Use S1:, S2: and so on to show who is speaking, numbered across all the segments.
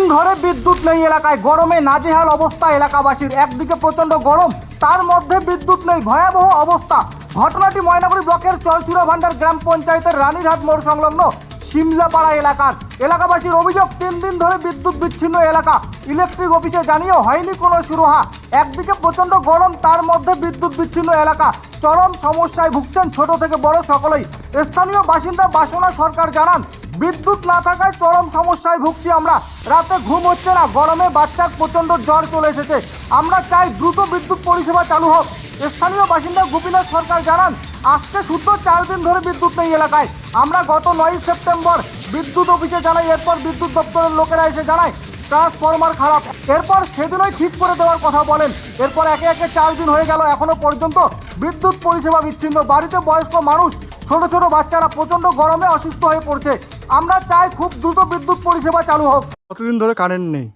S1: ধরে বিদ্যুৎ নেই এলাকায়। গরমে নাজেহাল অবস্থা এলাকাবাসীর। একদিকে প্রচন্ড গরম, তার মধ্যে বিদ্যুৎ নেই, ভয়াবহ অবস্থা। ঘটনাটি ময়নাগুড়ি ব্লকের চলচুরা ভান্ডার গ্রাম পঞ্চায়েতের রানীরহাট মোড় সংলগ্ন শিমলাপাড়া এলাকার। এলাকাবাসীর অভিযোগ, 3 দিন ধরে বিদ্যুৎ বিচ্ছিন্ন এলাকা। ইলেকট্রিক অফিসে জানিয়েও হয়নি কোনো সুরাহা। একদিকে প্রচন্ড গরম, তার মধ্যে বিদ্যুৎ বিচ্ছিন্ন এলাকা। চরম সমস্যায় ভুগছেন ছোট থেকে বড় সকলেই। স্থানীয় বাসিন্দা বাসনা সরকার জানান, বিদ্যুৎ না থাকায় চরম সমস্যায় ভুগছি আমরা। রাতে ঘুম হচ্ছে না, গরমে বাচ্চার প্রচন্ড জ্বর চলে এসেছে। আমরা চাই দ্রুত বিদ্যুৎ পরিষেবা চালু হোক। স্থানীয় বাসিন্দা গোপীনাথ সরকার জানান, আজকে শুদ্ধ 4 দিন ধরে বিদ্যুৎ নেই এলাকায়। আমরা গত 9 সেপ্টেম্বর বিদ্যুৎ অফিসে জানাই, এরপর বিদ্যুৎ দপ্তরের লোকেরা এসে জানায় ট্রান্সফরমার খারাপ। এরপর সেদিনই ঠিক করে দেওয়ার কথা বলেন। এরপর একে একে 4 দিন হয়ে গেল, এখনো পর্যন্ত বিদ্যুৎ পরিষেবা বিচ্ছিন্ন। বাড়িতে বয়স্ক মানুষ, ছোট ছোট বাচ্চারা প্রচন্ড গরমে অসুস্থ হয়ে পড়ছে। আমরা চাই খুব দ্রুত বিদ্যুৎ পরিষেবা চালু হোক।
S2: কতদিন ধরে কারেন্ট নেই?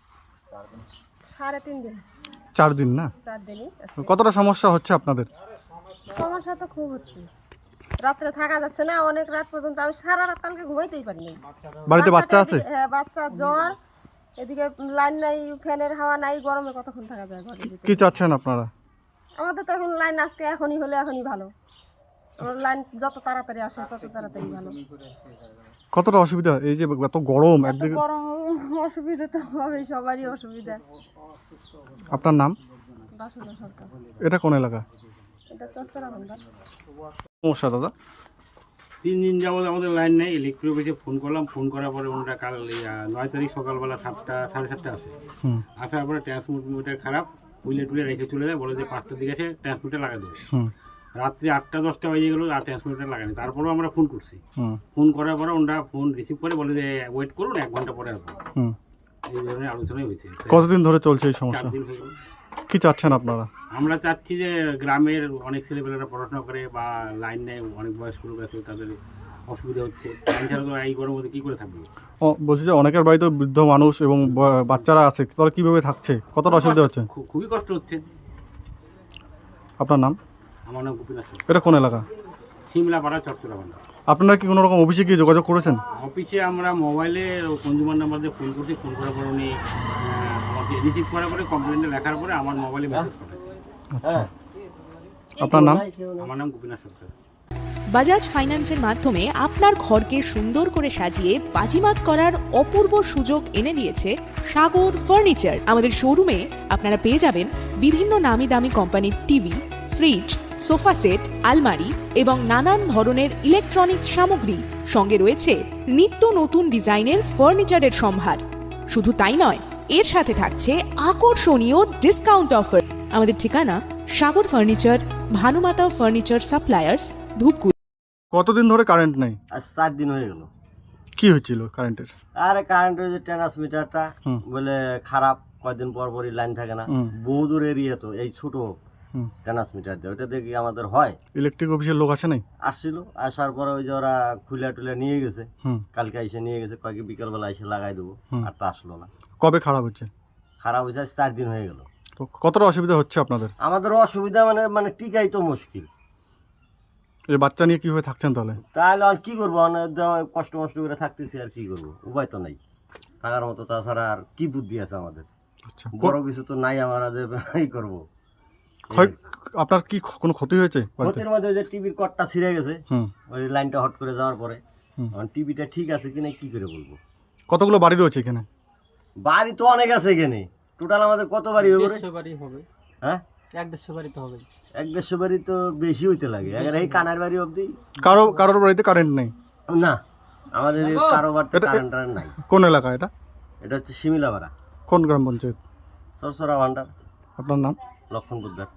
S3: 3.5 দিন।
S2: 4 দিন না?
S3: 4 দিনই আছে।
S2: কতটা সমস্যা হচ্ছে আপনাদের?
S3: সমস্যা তো খুব হচ্ছে, রাত্রে থাকা যাচ্ছে না। অনেক রাত পর্যন্ত আমি সারা রাত কালকে ঘুমাইতেই পারিনি।
S2: বাড়িতে বাচ্চা আছে?
S3: হ্যাঁ, বাচ্চা জ্বর, এদিকে লাইন নাই, ফ্যানের হাওয়া নাই, গরমে কতক্ষণ থাকা যায় ঘরের ভিতরে।
S2: কি চাচ্ছেন আপনারা?
S3: আমাদের তো এখন লাইন আজকে এখনই হলে এখনই ভালো। আমার লাইন যত তাড়াতাড়ি আসে তত তাড়াতাড়ি ভালো।
S2: কতটা অসুবিধা এই যে এত গরম একদিকে?
S3: গরম অসুবিধা তো হবে, সবারই অসুবিধা।
S2: আপনার নাম?
S3: বাসনা সরকার।
S2: এটা কোন এলাকা?
S3: এটা চচ্চড়া ভান্ডার।
S2: সমস্যা দাদা?
S4: 3 দিন যাবত আমাদের লাইন নেই। ইলেকট্রিক অফিসে ফোন করলাম, ফোন করার পরে ওনারা কাল 9 তারিখ সকালবেলা 7টা সাড়ে 7টা আসে। আসার পরে ট্রান্সমিটার খারাপ, উইলে টুলে রেখে চলে যায়, বলে যে 5টার দিকে এসে ট্রান্সমিটার লাগাই দেবে। রাত্রি 8টা-10টা বেজে গেল, আর ট্রান্সমিটার লাগানি। তারপরেও আমরা ফোন করছি, ফোন করার পরে ওনারা ফোন রিসিভ করে বলে যে ওয়েট করুন, 1 ঘন্টা পরে আসবো। এই ধরনের আলোচনাই হয়েছে।
S2: কতদিন ধরে চলছে এই সমস্যা?
S4: 4 দিন হয়ে গেল।
S2: কি চাচ্ছেন আপনারা?
S4: আমরা চাচ্ছি যে গ্রামের অনেক ছেলেপেলেরা পড়াশোনা করে বা লাইন নেয়, অনেক বয়স্ক লোক আছে, তাদের অসুবিধা হচ্ছে। এছাড়া তো এই গরমের মধ্যে কী করে থাকবে?
S2: বলছি যে অনেকের বাড়িতে বৃদ্ধ মানুষ এবং বাচ্চারা আছে, তারা কিভাবে থাকছে? কতটা অসুবিধা হচ্ছে?
S4: খুবই কষ্ট হচ্ছে।
S2: আপনার নাম?
S4: আমার নাম গোপীনাথ সরকার।
S2: এটা কোন এলাকা?
S4: শিমলাপাড়া চচ্চড়া ভান্ডার।
S2: আপনারা কি কোনো রকম অফিসে গিয়ে যোগাযোগ করেছেন?
S4: অফিসে আমরা মোবাইলে কনজিউমার নাম্বার দিয়ে ফোন করছি। ফোন করার পরে উনি আমাকে রিসিভ করার পরে কমপ্লেনটা লেখার পরে আমার মোবাইলে মেসেজ করে।
S2: আচ্ছা, আপনার নাম?
S4: আমার নাম গোপীনাথ সরকার।
S5: বাজাজ ফাইন্যান্সের মাধ্যমে আপনার ঘরকে সুন্দর করে সাজিয়ে বাজিমাত করার অপূর্ব সুযোগ এনে দিয়েছে সাগর ফার্নিচার। আমাদের শোরুমে আপনারা পেয়ে যাবেন বিভিন্ন নামি দামি কোম্পানির টিভি, ফ্রিজ, সোফা সেট, আলমারি এবং নানান ধরনের ইলেকট্রনিক্স সামগ্রী। সঙ্গে রয়েছে নিত্য নতুন ডিজাইনের ফার্নিচারের সম্ভার। শুধু তাই নয়, এর সাথে থাকছে আকর্ষণীয় ডিসকাউন্ট অফার। আমাদের ঠিকানা Sagar furniture, Bhanumata furniture suppliers, Dhupguri.
S2: কতদিন ধরে কারেন্ট নেই?
S6: আজ 4 দিন হয়ে গেল।
S2: কি হয়েছিল কারেন্টের?
S6: আরে কারেন্টের যে ট্রান্সমিটারটা বলে খারাপ, কয়েকদিন পর পরই লাইন থাকে না। বহু দূর এরিয়া তো, এই ছোট ট্রান্সমিটার দিয়ে ওইটা দেখি আমাদের হয়।
S2: ইলেকট্রিক অফিসের লোক আসে নাই?
S6: আসছিল, আসার পরে ওই যে ওরা খুলে টুলে নিয়ে গেছে। কালকে এসে নিয়ে গেছে, কয়েক বিকালবেলা এসে লাগাই দেবো, আর তো আসলো না।
S2: কবে খারাপ হচ্ছে?
S6: খারাপ হয়েছে আজ 4 দিন হয়ে গেল।
S2: তো কতটা অসুবিধা হচ্ছে আপনাদের?
S6: আমাদের অসুবিধা মানে টিকাই তো মুশকিল।
S2: এই বাচ্চা নিয়ে কিভাবে থাকছেন তাহলে?
S6: তাহলে আর কি করবো, কষ্ট মষ্ট করে থাকতেছি, আর কি করবো, উপায় তো নাই থাকার মতো। তাছাড়া আর কি বুদ্ধি আছে আমাদের?
S2: আচ্ছা,
S6: বড় কিছু তো নাই আমরা যে এই করবো।
S2: আপনার কি কোনো ক্ষতি হয়েছে?
S6: ক্ষতির মধ্যে যে টিভির কর্ডটা ছিঁড়ে গেছে, ওই লাইনটা হট করে যাওয়ার পরে। টিভিটা ঠিক আছে কিনা কি করে বলবো?
S2: কতগুলো বাড়ি রয়েছে এখানে?
S6: বাড়ি তো অনেক আছে এখানে। টোটাল আমাদের কত বাড়ি হবে?
S7: 150 বাড়ি হবে।
S6: হ্যাঁ,
S7: 150 বাড়ি তো হবে।
S6: 150 বাড়ি তো বেশি হইতে লাগে। এই কানার বাড়ি অবধি
S2: কারোর বাড়িতে কারেন্ট নেই?
S6: না, আমাদের কারো বাড়িতে কারেন্ট নাই।
S2: কোন এলাকা এটা?
S6: এটা হচ্ছে শিমিলাপাড়া।
S2: কোন গ্রাম পঞ্চায়েত?
S6: চরচরা ভান্ডার।
S2: আপনার নাম?
S6: লক্ষণ পোদ্দার।